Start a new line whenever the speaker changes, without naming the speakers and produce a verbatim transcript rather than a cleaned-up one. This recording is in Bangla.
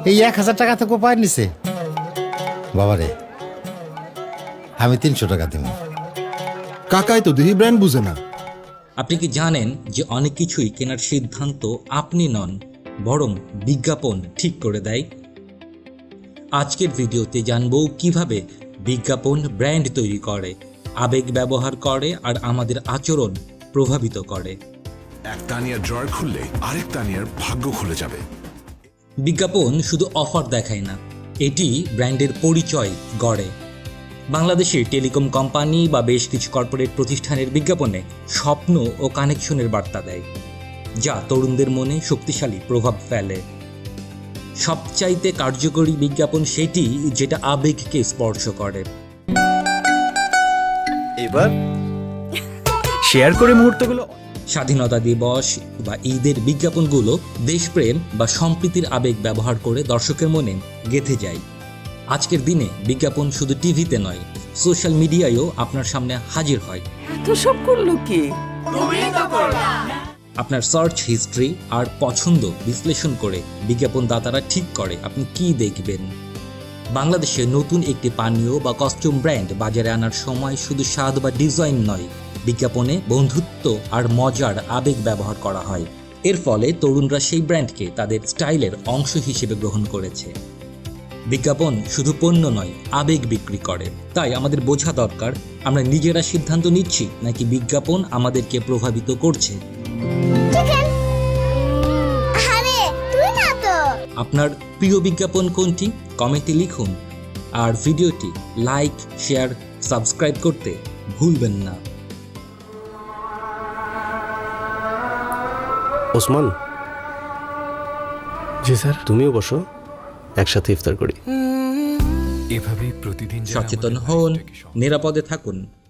এই এক হাজার টাকা তো কোপায় নিছে বাবারে। আমি তিনশো টাকা দিব।
কাকাই তো দেখি ব্র্যান্ড বুঝে না।
আপনি কি জানেন যে অনেক কিছুই কেনার সিদ্ধান্ত আপনি নন, বরং বিজ্ঞাপন ঠিক করে দেয়? আজকের ভিডিওতে জানবো কিভাবে বিজ্ঞাপন ব্র্যান্ড তৈরি করে, আবেগ ব্যবহার করে আর আমাদের আচরণ প্রভাবিত করে।
এক তানিয়ার ড্রয়ার খুললে আরেক তানিয়ার ভাগ্য খুলে যাবে।
বিজ্ঞাপন শুধু অফার দেখায় না, এটি ব্র্যান্ডের পরিচয় গড়ে। বাংলাদেশের টেলিকম কোম্পানি বা বেশ কিছু কর্পোরেট প্রতিষ্ঠানের বিজ্ঞাপনে স্বপ্ন ও কানেকশনের বার্তা দেয়, যা তরুণদের মনে শক্তিশালী প্রভাব ফেলে। সবচাইতে কার্যকরী বিজ্ঞাপন সেটি যেটা আবেগকে স্পর্শ করে।
এবার শেয়ার করে মুহূর্তগুলো।
স্বাধীনতা দিবস বা ঈদের বিজ্ঞাপনগুলো দেশপ্রেম বা সম্প্রীতির আবেগ ব্যবহার করে দর্শকের মনে গেঁথে যায়। আজকের দিনে বিজ্ঞাপন শুধু টিভিতে নয়, সোশ্যাল মিডিয়ায়ও আপনার সামনে হাজির হয়।
এত সব করলো কি?
আপনার সার্চ হিস্ট্রি আর পছন্দ বিশ্লেষণ করে বিজ্ঞাপনদাতারা ঠিক করে আপনি কি দেখবেন। বাংলাদেশে নতুন একটি পানীয় বা কস্টিউম ব্র্যান্ড বাজারে আনার সময় শুধু স্বাদ বা ডিজাইন নয়, বিজ্ঞাপনে বন্ধুত্ব আর মজার আবেগ ব্যবহার করা হয়। এর ফলে তরুণরা সেই ব্র্যান্ডকে তাদের স্টাইলের অংশ হিসেবে গ্রহণ করেছে। বিজ্ঞাপন শুধু পণ্য নয়, আবেগ বিক্রি করে। তাই আমাদের বোঝা দরকার, আমরা নিজেরা সিদ্ধান্ত নিচ্ছি নাকি বিজ্ঞাপন আমাদেরকে প্রভাবিত করছে। আপনার প্রিয় বিজ্ঞাপন কোনটি? কমেন্টে লিখুন। আর ভিডিওটি লাইক, শেয়ার, সাবস্ক্রাইব করতে ভুলবেন না।
ওসমান,
জি স্যার।
তুমিও বসো, একসাথে ইফতার করি।
এভাবেই প্রতিদিন
সচেতন হন, নিরাপদে থাকুন।